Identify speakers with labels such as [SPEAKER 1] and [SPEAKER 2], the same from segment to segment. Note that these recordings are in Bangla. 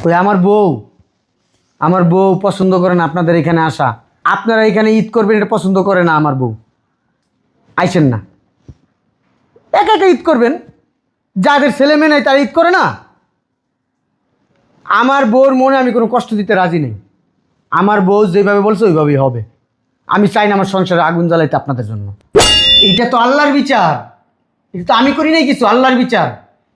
[SPEAKER 1] ওই আমার বউ পছন্দ করে না আপনাদের এখানে আসা। আপনারা এখানে ঈদ করবেন এটা পছন্দ করে না আমার বউ। আইসেন না, একা একা ঈদ করবেন। যাদের ছেলে মেয়ে নেই তারা ঈদ করে না। আমার বউর মনে আমি কোনো কষ্ট দিতে রাজি নেই। আমার বউ যেভাবে বলছে ওইভাবেই হবে। আমি চাই না আমার সংসারে আগুন জ্বালাইতে আপনাদের জন্য। এইটা তো আল্লাহর বিচার, এটা তো আমি করি নাই কিছু, আল্লাহর বিচার।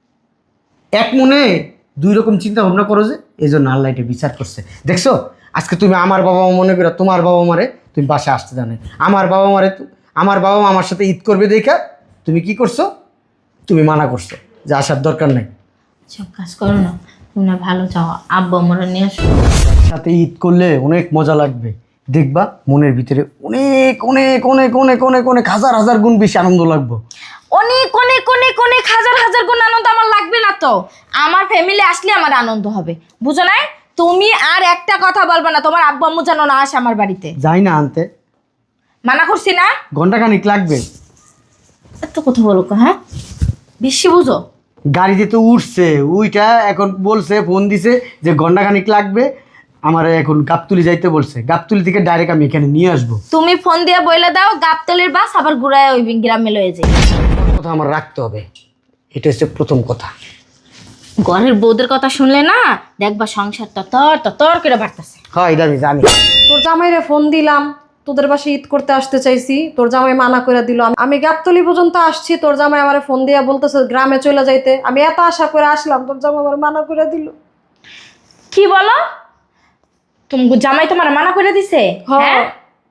[SPEAKER 1] এক মনে দুই রকম চিন্তা ভাবনা করো যে, এই জন্য আল্লাহ এটা বিচার করছে। দেখছো, আজকে তুমি আমার বাবা মা মনে করো তোমার বাবা মারে তুমি বাসায় আসতে জানে। আমার বাবা মা আমার সাথে ঈদ করবে দেখা তুমি কি করছো? তুমি মানা করছো যে আসার দরকার নেই।
[SPEAKER 2] সব কাজ করো না, তুমি না ভালো চাও, আব্বু আমরা নিয়ে আসো।
[SPEAKER 1] সাথে ঈদ করলে অনেক মজা লাগবে, দেখবা মনের ভিতরে অনেক অনেক অনেক অনেক অনেক অনেক হাজার হাজার গুণ বেশি আনন্দ লাগবে।
[SPEAKER 2] অনেক অনেক অনেক অনেক হাজার হাজার গুণ আনন্দ আমার লাগবে না তো? আমার ফ্যামিলি আসলে আমার আনন্দ হবে, বুঝো না? তুমি আর একটা কথা বলবে না, তোমার আব্বু আম্মু যেন না আসে আমার বাড়িতে।
[SPEAKER 1] যাই না আনতে,
[SPEAKER 2] মানা করছি না?
[SPEAKER 1] ঘন্টাখানিক লাগবে।
[SPEAKER 2] এত কথা বলো কেন, হ্যাঁ? বেশি বুঝো।
[SPEAKER 1] গাড়িতে তো উঠছে, উইটা এখন বলছে, ফোন দিছে যে ঘন্টাখানিক লাগবে। আমার এখন গাবতুলি যাইতে বলছে, গাবতুলি থেকে ডাইরেক্ট আমি এখানে নিয়ে আসবো।
[SPEAKER 2] তুমি ফোন দিয়ে বইলে দাও গাবতলির বাস আবার ঘুরায় ওই গ্রামে লয়ে যায়।
[SPEAKER 1] কথা আমার রাখতে হবে, এটা হচ্ছে প্রথম কথা।
[SPEAKER 2] ঘরের বউদের কথা শুনলে না দেখবা সংসার ততর ততর করে বাড়তেছে।
[SPEAKER 1] হ্যাঁ, এটা আমি জানি।
[SPEAKER 3] তোর জামাইরে ফোন দিলাম, তোদের বাসায় ঈদ করতে আসতে চাইছি, তোর জামাই মানা করে দিল। আমি গাবতলি পর্যন্ত আসছি, তোর জামাই আমার ফোন দিয়া বলতেছে গ্রামে চলে যাইতে। আমি এত আশা করে আসলাম, তোর জামাই আমার মানা করে দিল।
[SPEAKER 2] কি বলো? তুমি জামাই তোমার মানা করে দিছে? হ্যাঁ,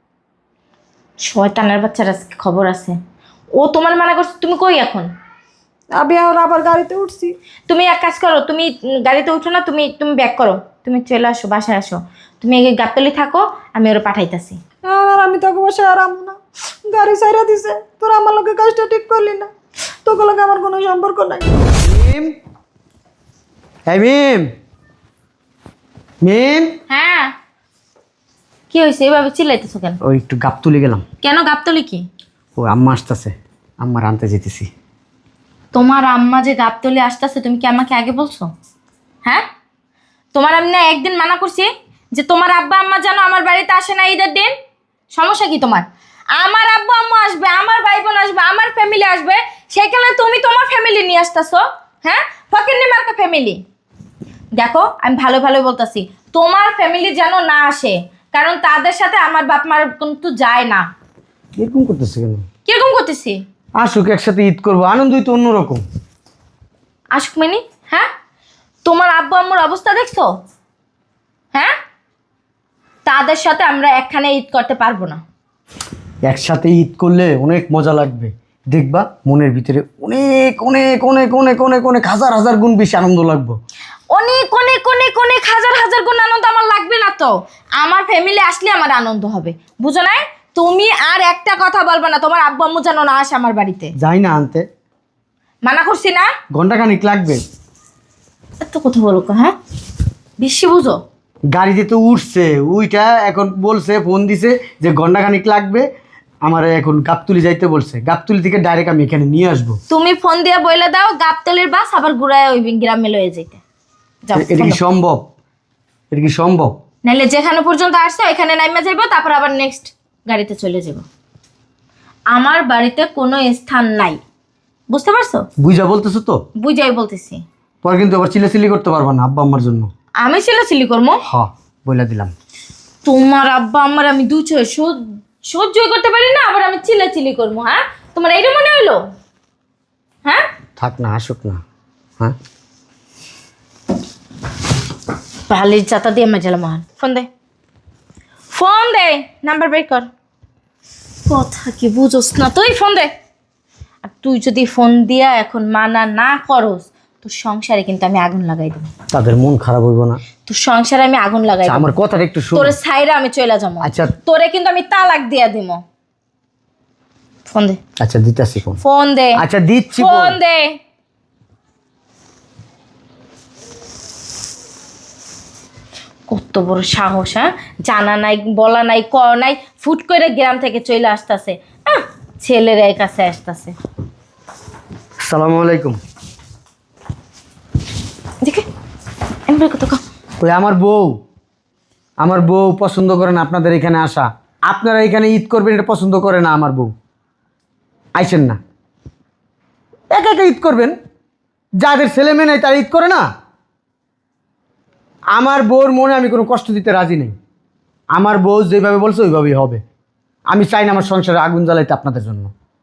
[SPEAKER 2] শয়তানের বাচ্চার আজকে খবর আছে। ও তোমার মানা করছে, তুমি কই এখন?
[SPEAKER 3] আমি এখন আবার গাড়িতে উঠছি।
[SPEAKER 2] তুমি এক কাজ করো, তুমি গাড়িতে উঠো না, তুমি তুমি ব্যাক করো, তুমি চলে আসো, বাসায় আসো। তুমি এই গাবতলি থাকো, আমি ওরা পাঠাইতাছি।
[SPEAKER 3] আর আমি তোকে বসে আরাম না, গাড়ি সাইরা দিছে। তোর আমার লোকের কাজটা ঠিক করলি না, তোকে লোকে আমার কোনো সম্পর্ক নাই।
[SPEAKER 1] মিম, এই মিম, মিম।
[SPEAKER 2] হ্যাঁ, কি হয়েছে এভাবে চিল্লাইতেছো কেন?
[SPEAKER 1] ওই একটু গাবতুলি গেলাম।
[SPEAKER 2] কেন গাবতলি কি?
[SPEAKER 1] ও আম্মা আসতেছে, আম্মার আনতে যেতেছি।
[SPEAKER 2] তোমার আম্মা যে গাবতলি আসতেছে তুমি কি আমাকে আগে বলছো? হ্যাঁ, তোমার আমি না একদিন মানা করছি যে তোমার আব্বা আম্মা যেন আমার বাড়িতে আসে না ঈদের দিন। সমস্যা কি তোমার? আমার আব্বু আম্মু আসবে, আমার ভাই বোন আসবে, আমার ফ্যামিলি আসবে, সেখানে তুমি তোমার ফ্যামিলি নিয়ে আসতেছো। হ্যাঁ, ফকিন্নি মার্কা ফ্যামিলি। দেখো আমি ভালো ভালো বলতেছি, তোমার ফ্যামিলি যেন না আসে, কারণ তাদের সাথে আমার বাপ মার কিন্তু যায় না।
[SPEAKER 1] এরকম করতেছে কেন?
[SPEAKER 2] কিরকম করতেছি?
[SPEAKER 1] আসুক, একসাথে ঈদ করবো, আনন্দই তো অন্যরকম।
[SPEAKER 2] আসুক মানে? হ্যাঁ, তোমার আব্বু আম্মুর অবস্থা দেখছো? হ্যাঁ, তাদের সাথে আমরা একখানে ঈদ করতে পারবো না।
[SPEAKER 1] একসাথে ঈদ করলে অনেক মজা লাগবে, দেখবা মনের ভিতরে অনেক অনেক অনেক অনেক অনেক অনেক হাজার হাজার গুণ বেশি আনন্দ লাগবে।
[SPEAKER 2] অনেক অনেক অনেক অনেক হাজার হাজার গুণ আনন্দ আমার লাগবে না তো? আমার ফ্যামিলি আসলে আমার আনন্দ হবে, বুঝো না? তুমি আর একটা কথা বলবে না, তোমার আব্বু আম্মু যেন না আসে আমার বাড়িতে।
[SPEAKER 1] যাই না আনতে,
[SPEAKER 2] মানা করছি না?
[SPEAKER 1] ঘন্টাখানিক লাগবে।
[SPEAKER 2] এত কথা বলো কেন, হ্যাঁ? বেশি বুঝো।
[SPEAKER 1] গাড়িতে তো উঠছে, উইটা এখন বলছে, ফোন দিছে যে ঘন্টাখানিক লাগবে। আমার এখন গাবতুলি যাইতে বলছে, গাবতুলি থেকে ডাইরেক্ট আমি এখানে নিয়ে আসবো।
[SPEAKER 2] তুমি ফোন দিয়ে বইলে দাও গাবতলির বাস আবার ঘুরায় ওই গ্রামে লয়ে যেতে। যাও,
[SPEAKER 1] এটা কি সম্ভব? এটা কি সম্ভব?
[SPEAKER 2] নাহলে যেখানে পর্যন্ত আসছে ওইখানে নাইমা যাইবো, তারপর আবার নেক্সট গাড়িতে চলে যাব। আমার বাড়িতে কোনো স্থান নাই, বুঝতে পারছো?
[SPEAKER 1] বুঝা বলতেছো তো?
[SPEAKER 2] বুঝাই বলতেছি।
[SPEAKER 1] পরে কিন্তু আবার চিল্লাচিল্লি করতে পারবা না আব্বা আম্মার জন্য।
[SPEAKER 2] আমি চিল্লাচিল্লি করবো?
[SPEAKER 1] হ্যাঁ, বইলা দিলাম।
[SPEAKER 2] তোমার আব্বা আমার আমি দু ছয় সহ্যই করতে পারি না, আবার আমি চিল্লাচিল্লি করবো? হ্যাঁ, তোমার এইটা মনে হইলো? হ্যাঁ,
[SPEAKER 1] থাক না, আসুক না। হ্যাঁ,
[SPEAKER 2] ভালির চাতা দিয়ে মেজালা মহান। ফোন দে, ফোন দে, নাম্বার বের কর। কথা কি বুঝোস না তুই? ফোন দে। আর তুই যদি ফোন দিয়া এখন মানা না করস, তোর সংসারে কিন্তু আমি আগুন লাগাই দেবো।
[SPEAKER 1] তাদের মন খারাপ হইব না?
[SPEAKER 2] তোর সংসারে আমি আগুন লাগাই দেবো।
[SPEAKER 1] আমার কথাটা একটু শোন।
[SPEAKER 2] তোরে সাইরা আমি চলে যাবো।
[SPEAKER 1] আচ্ছা।
[SPEAKER 2] তোরে কিন্তু আমি তালাক দিয়া দিব। ফোন দে।
[SPEAKER 1] আচ্ছা, দিতাছি ফোন।
[SPEAKER 2] ফোন দে।
[SPEAKER 1] আচ্ছা, দিচ্ছি
[SPEAKER 2] ফোন দে। কত বড় সাহস, হ্যাঁ? জানা নাই, বলা নাই, ক নাই, ফুট করে গ্রাম থেকে চলে আসতেছে। ছেলের কাছে আসতেছে।
[SPEAKER 1] আসসালামু আলাইকুম।
[SPEAKER 2] দেখে এমনি কত
[SPEAKER 1] ওই আমার বউ পছন্দ করে না আপনাদের এখানে আসা। আপনারা এখানে ঈদ করবেন এটা পছন্দ করে না আমার বউ। আইসেন না, একা একা ঈদ করবেন। যাদের ছেলে মেয়ে নেই তারা ঈদ করে না। আমার বউর মনে আমি কোনো কষ্ট দিতে রাজি নেই। আমার বউ যেভাবে বলছে ওইভাবেই হবে। আমি চাই না আমার সংসারে আগুন জ্বালাইতে আপনাদের জন্য।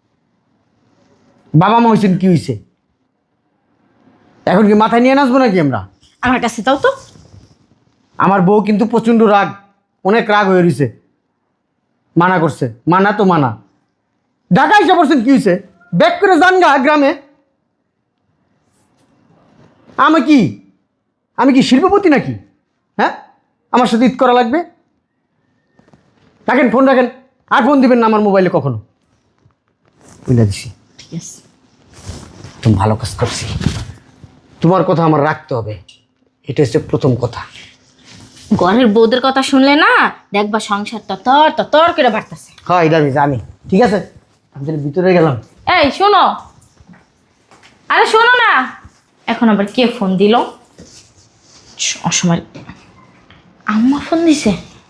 [SPEAKER 1] বাবা মা হয়েছেন কি হয়েছে? এখন কি মাথায় নিয়ে নাচবো নাকি আমরা?
[SPEAKER 2] আমার কাছে দাও তো।
[SPEAKER 1] আমার বউ কিন্তু প্রচণ্ড রাগ, অনেক রাগ হয়ে রয়েছে। মানা করছে, মানা তো মানা। ঢাকা এসে পড়ছেন কি হয়েছে? ব্যাক করে যান গা গ্রামে। আমি কি শিল্পপতি নাকি? হ্যাঁ, আমার সাথে ঈদ করা লাগবে? রাখেন, ফোন রাখেন। আর ফোন দিবেন না আমার মোবাইলে কখনো। বুঝলে দিছি,
[SPEAKER 2] ঠিক আছে।
[SPEAKER 1] তুমি ভালো কাজ করছি। তোমার কথা আমার রাখতে হবে, এটা হচ্ছে প্রথম কথা।
[SPEAKER 2] ঘরের বউদের কথা শুনলে না দেখবা সংসার ততর ততর করে বাড়তেছে।
[SPEAKER 1] হ্যাঁ, এটা আমি জানি। ঠিক আছে, আমি তাহলে ভিতরে গেলাম।
[SPEAKER 2] এই শোনো, আরে শোনো না, এখন আবার কে ফোন দিল? অসময় আম্মা ফোন দিছে।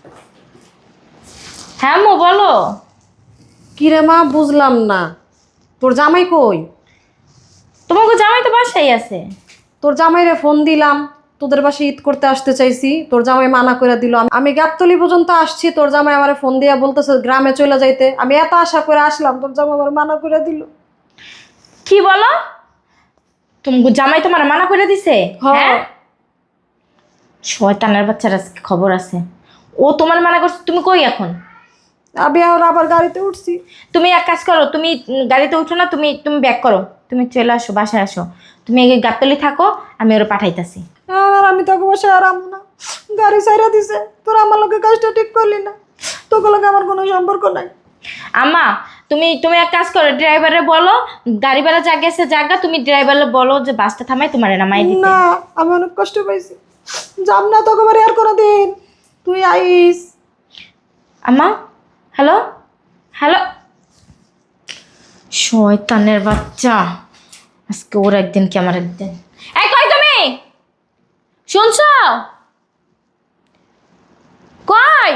[SPEAKER 2] হ্যাঁ মো বলো।
[SPEAKER 3] কি রে মা, বুঝলাম না। তোর জামাই কই?
[SPEAKER 2] তোমাকে জামাই তো বাসায় আছে।
[SPEAKER 3] তোর জামাইরে ফোন দিলাম, তোদের বাসায় ঈদ করতে আসতে চাইছি, তোর জামাই মানা করে দিল। আমি গাবতলি পর্যন্ত আসছি, তোর জামাই আমার ফোন দিয়া বলতেছে গ্রামে চলে যাইতে। আমি এত আশা করে আসলাম, তোর জামাই আমার মানা করে দিল।
[SPEAKER 2] কি বলো? তুমি জামাই তোমার মানা করে দিছে? হ্যাঁ, শয়তানের বাচ্চার আজকে খবর আছে। ও তোমার মানা করছে, তুমি কই এখন?
[SPEAKER 3] আমি আবার গাড়িতে উঠছি।
[SPEAKER 2] তুমি এক কাজ করো, তুমি গাড়িতে উঠো না, তুমি তুমি ব্যাক করো, তুমি চলে আসো, বাসায় আসো। তুমি এই গাবতলি থাকো, আমি ওরা পাঠাইতাছি।
[SPEAKER 3] আর আমি তোকে বসে আরাম না, গাড়ি সাইরা দিছে। তোর আমার লোকের কাজটা ঠিক করলি না, তোকে লোকে আমার কোনো সম্পর্ক নাই।
[SPEAKER 2] আম্মা, তুমি তুমি এক কাজ করো, ড্রাইভারে বলো গাড়ি ভাড়া যা গেছে জায়গা, তুমি ড্রাইভারে বলো যে বাসটা থামাই তোমার নামাই দিতে।
[SPEAKER 3] না, আমি অনেক কষ্ট পাইছি, যাব না তোকে বাড়ি আর কোনো দিন। তুই আইস।
[SPEAKER 2] আম্মা, হ্যালো হ্যালো, শয়তানের বাচ্চা, আজকে ওর একদিন কি আমার একদিন। এই কই তুমি? শুনছো? কই?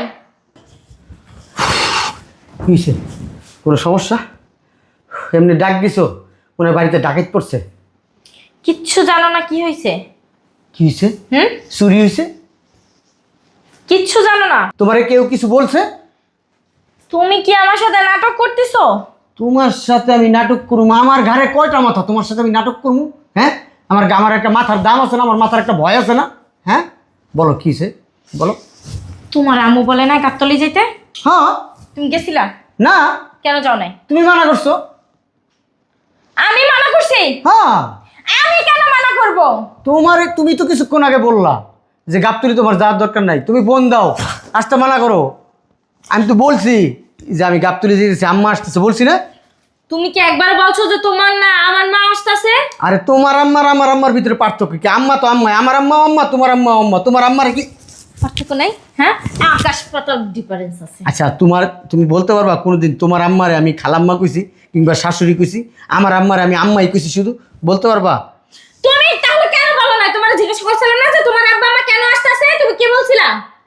[SPEAKER 1] কি হয়েছে? কোনো সমস্যা? এমনি ডাক দিছো? ওনার বাড়িতে ডাকাত পড়ছে?
[SPEAKER 2] কিচ্ছু জানো না কি হয়েছে?
[SPEAKER 1] কি হয়েছে?
[SPEAKER 2] হুম,
[SPEAKER 1] চুরি হয়েছে?
[SPEAKER 2] কিচ্ছু জানো না?
[SPEAKER 1] তোমারে কেউ কিছু বলছে?
[SPEAKER 2] তুমি কি আমার সাথে নাটক করতেছো?
[SPEAKER 1] তোমার সাথে আমি নাটক করবো? আমার ঘাড়ে কয়টা মাথা? তোমার সাথে আমি নাটক করবো? হ্যাঁ, আমার একটা মাথার দাম আছে না? আমার মাথার একটা ভয় আছে না? হ্যাঁ, বলো কি হয়েছে, বলো।
[SPEAKER 2] তোমার আম্মু বলে না গাবতলি যেতে?
[SPEAKER 1] হ্যাঁ।
[SPEAKER 2] তুমি গেছিলা?
[SPEAKER 1] না।
[SPEAKER 2] কেন যাও নাই?
[SPEAKER 1] তুমি মানা করছো।
[SPEAKER 2] আমি মানা করছি?
[SPEAKER 1] হ্যাঁ।
[SPEAKER 2] আমি কেন মানা করব?
[SPEAKER 1] তুমি তো কিছুক্ষণ আগে বললা যে গাবতলি তোমার যাওয়ার দরকার নাই, তুমি ফোন দাও, আসতে মানা করো। আমি তো বলছি যে আমি গাবতলি যেতেছি, আম্মা আসতেছে, বলছি না?
[SPEAKER 2] তুমি কি একবার বলছো যে তোমার না আমার মা আসতেছে?
[SPEAKER 1] আরে তোমার আম্মার আমার আম্মার ভিতরে পার্থক্য কি? আম্মা তো আম্মা, আমার আম্মা আম্মা, তোমার আম্মা আম্মা। তোমার আম্মার কি
[SPEAKER 2] পার্থক্য নাই? হ্যাঁ, আকাশ পাতাল ডিফারেন্স আছে।
[SPEAKER 1] আচ্ছা, তুমি বলতে পারবা কোনোদিন তোমার আম্মারে আমি খালাম্মা কইছি কিংবা শাশুড়ি কইছি? আমার আম্মারে আমি আম্মাই কইছি শুধু, বলতে পারবা?
[SPEAKER 2] তুমি তাহলে কেন বলো না? তোমার জিজ্ঞেস করছিলাম না যে তোমার আব্বা মা কেন আসতেছে, তুমি কি বলছিলা?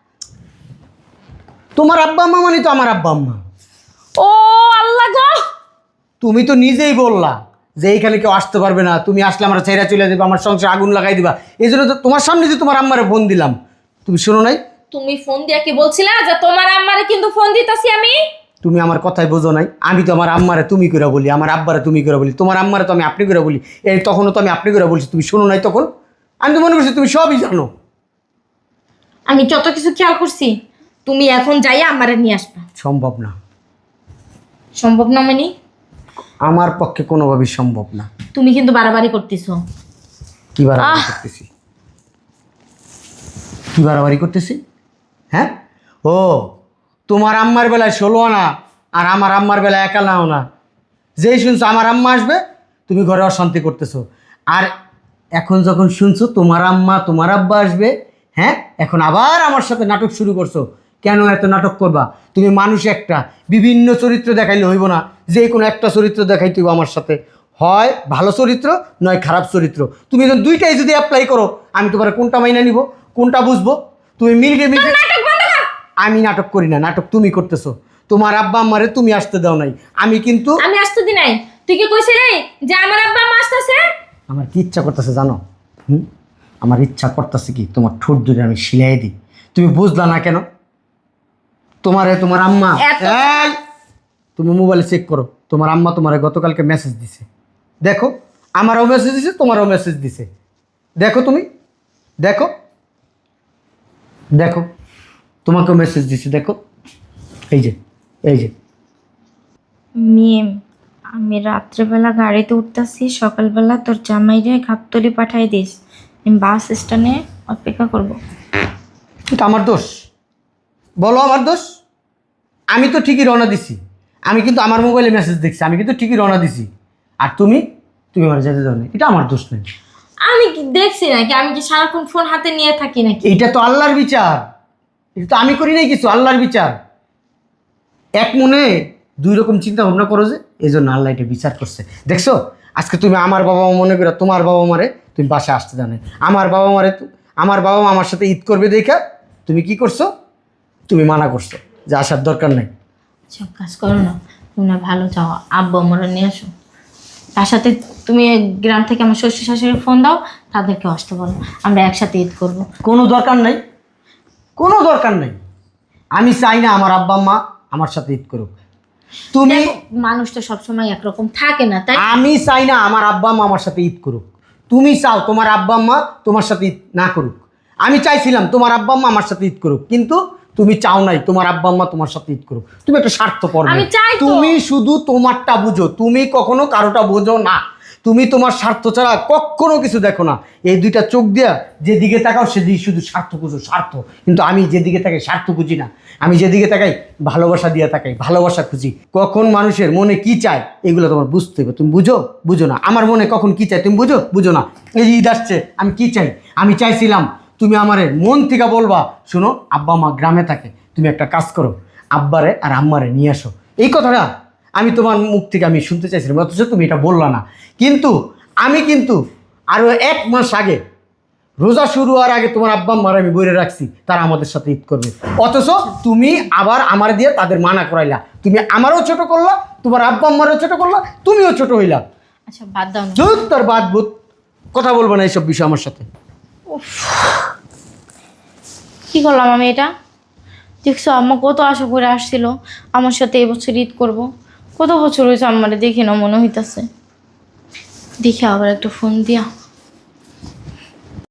[SPEAKER 1] তোমার আব্বা আম্মা মানে তো আমার আব্বা আম্মা।
[SPEAKER 2] ও আল্লাহ গো,
[SPEAKER 1] তুমি তো নিজেই বললা যে এইখানে কেউ আসতে পারবে না, তুমি আসলে আমার ছেড়ে চলে যাবে, আমার সংসারে আগুন লাগাই দিবা। এই জন্য তো তোমার সামনে যে তোমার আম্মারে ফোন দিলাম, তুমি শোনো নাই?
[SPEAKER 2] তুমি ফোন দিয়া কি বলছিলা যে তোমার আম্মারে কিন্তু ফোন দিতাছি আমি?
[SPEAKER 1] তুমি আমার কথাই বোঝো নাই। আমি তো আমার আম্মারে তুমি করে বলি, আমার আব্বারে তুমি করে বলি, তোমার আম্মারে তো আমি আপনি করে বলি। এই তখনও তো আমি আপনি করে বলছি, তুমি শোনো নাই তখন? আমি তো মনে করছি তুমি সবই জানো।
[SPEAKER 2] আমি যত কিছু খেয়াল করছি, তুমি এখন যাইয়া আমারে নিয়ে আসবা।
[SPEAKER 1] সম্ভব না।
[SPEAKER 2] সম্ভব না মানে?
[SPEAKER 1] আমার পক্ষে কোনোভাবেই সম্ভব না।
[SPEAKER 2] তুমি কিন্তু বাড়াবাড়ি করতেছো।
[SPEAKER 1] কি বাড়াবাড়ি করতেছি? কি বাড়াবাড়ি করতেছি? হ্যাঁ, ও তোমার আম্মার বেলায় 16 আনা আর আমার আম্মার বেলায় 1 আনাও না। যেই শুনছো আমার আম্মা আসবে, তুমি ঘরে অশান্তি করতেছো। আর এখন যখন শুনছো তোমার আম্মা তোমার আব্বা আসবে, হ্যাঁ, এখন আবার আমার সাথে নাটক শুরু করছো। কেন এত নাটক করবা? তুমি মানুষ একটা, বিভিন্ন চরিত্র দেখাইলে হইব না, যে কোনো একটা চরিত্র দেখাইতে হইব আমার সাথে। হয় ভালো চরিত্র নয় খারাপ চরিত্র। তুমি যখন দুইটাই যদি অ্যাপ্লাই করো, আমি তোমার কোনটা মাইনা নিব, কোনটা বুঝবো? তুমি মিনিটে মিনিটে
[SPEAKER 2] নাটক বন্ধ কর।
[SPEAKER 1] আমি নাটক করি না, নাটক তুমি করতেছো। তোমার আব্বা আম্মারে তুমি আসতে দাও নাই, আমি কিন্তু
[SPEAKER 2] আমি আসতে দি নাই। তুই কি কইছিলি যে আমার আব্বা আম্মা আসতেছে?
[SPEAKER 1] আমার কি ইচ্ছা করতেছে জানো? আমার ইচ্ছা করতেছে কি তোমার ঠোঁট দুটো আমি সিলাই দিই। তুমি বুঝলা না কেন? তোমার আম্মা
[SPEAKER 2] এত-
[SPEAKER 1] এই, তুমি মোবাইলে চেক করো, তোমার আম্মা তোমারে গতকালকে মেসেজ দিছে। দেখো, আমারও মেসেজ দিছে, তোমারও মেসেজ দিছে। দেখো তুমি, দেখো দেখো, তোমাকেও মেসেজ দিছে, দেখো। এই যে, এই যে।
[SPEAKER 2] মিম, আমি রাত্রেবেলা গাড়িতে উঠতেছি, সকালবেলা তোর জামাইরে গাবতলি পাঠাই দিস। আমি বাস স্ট্যান্ডে অপেক্ষা করব।
[SPEAKER 1] এটা আমার দোষ? বলো আমার দোষ? আমি তো ঠিকই রওনা দিছি, আমি কিন্তু আমার মোবাইলে মেসেজ দেখছি, আমি কিন্তু ঠিকই রওনা দিছি। আর তুমি তুমি আমার যেতে দাও না, এটা আমার দোষ নেই।
[SPEAKER 2] আমি কি দেখছি নাকি? আমি কি সারাক্ষণ ফোন হাতে নিয়ে থাকি নাকি?
[SPEAKER 1] এইটা তো আল্লাহর বিচার, এটা তো আমি করি নাই কিছু, আল্লাহর বিচার। এক মনে দুই রকম চিন্তা ভাবনা করো যে, এই জন্য আল্লাহ এটা বিচার করছে। দেখছো, আজকে তুমি আমার বাবা মা মনে করো তোমার বাবা মারে তুমি বাসায় আসতে জানে, আমার বাবা মারে আমার বাবা মা আমার সাথে ঈদ করবে দেখা তুমি কি করছো? তুমি মানা করছো যে আসার দরকার নাই।
[SPEAKER 2] সব কাজ করো না, তুমি না ভালো চাও, আব্বু আমরা নিয়ে আসো। তার সাথে তুমি গ্রাম থেকে আমার শ্বশুর শাশুড়ি ফোন দাও, তাদেরকে আসতে বলো, আমরা একসাথে ঈদ করব।
[SPEAKER 1] কোনো দরকার নাই, কোনো দরকার নাই। আমি চাই না আমার আব্বা আম্মা আমার সাথে ঈদ করুক। তুমি
[SPEAKER 2] দেখো, মানুষ তো সবসময় একরকম থাকে না, তাই?
[SPEAKER 1] আমি চাই না আমার আব্বা আম্মা আমার সাথে ঈদ করুক। তুমি চাও তোমার আব্বা আম্মা তোমার সাথে ঈদ না করুক। আমি চাইছিলাম তোমার আব্বা আম্মা আমার সাথে ঈদ করুক, কিন্তু তুমি চাও নাই তোমার আব্বা আম্মা তোমার সাথে ঈদ করুক। তুমি একটা স্বার্থপর মেয়ে।
[SPEAKER 2] আমি চাই তো।
[SPEAKER 1] তুমি শুধু তোমারটা বুঝো, তুমি কখনো কারোটা বোঝো না। তুমি তোমার স্বার্থ ছাড়া কখনো কিছু দেখো না। এই দুইটা চোখ দিয়া যেদিকে তাকাও সেদিকে শুধু স্বার্থ খুঁজো, স্বার্থ। কিন্তু আমি যেদিকে তাকাই স্বার্থ খুঁজি না, আমি যেদিকে তাকাই ভালোবাসা দিয়া তাকাই, ভালোবাসা খুঁজি। কখন মানুষের মনে কি চায় এগুলো তোমার বুঝতে হবে। তুমি বুঝো? বুঝো না। আমার মনে কখন কি চায় তুমি বুঝো? বুঝো না। এই যে ঈদ আসছে, আমি কি চাই? আমি চাইছিলাম তুমি আমারে মন থেকে বলবা, শোনো আব্বা মা গ্রামে থাকে, তুমি একটা কাজ করো, আব্বারে আর আম্মারে নিয়ে আসো। এই কথাটা আমি তোমার মুখ থেকে আমি শুনতে চাইছিলাম, অথচ তুমি এটা বললা না। কিন্তু আমি কিন্তু আরও 1 মাস আগে, রোজা শুরু হওয়ার আগে তোমার আব্বা আম্মার আমি বইরে রাখছি তারা আমাদের সাথে ঈদ করবে, অথচ তুমি আবার আমার দিয়ে তাদের মানা করাইলা। তুমি আমারও ছোট করলা, তোমার আব্বা আম্মারও ছোট করলা, তুমিও ছোট হইলা।
[SPEAKER 2] আচ্ছা বাদ দাও না।
[SPEAKER 1] ধুর, তোর বাদ বুত, কথা বলবো না এইসব বিষয় আমার সাথে।
[SPEAKER 2] কি করলাম আমি এটা? দেখছো আম্মা কত আশা করে আসছিল আমার সাথে এবছর ঈদ করব। কত বছর হয়েছে আম্মারে দেখি না মনে হইতাছে। দেখি আবার একটা ফোন দিয়া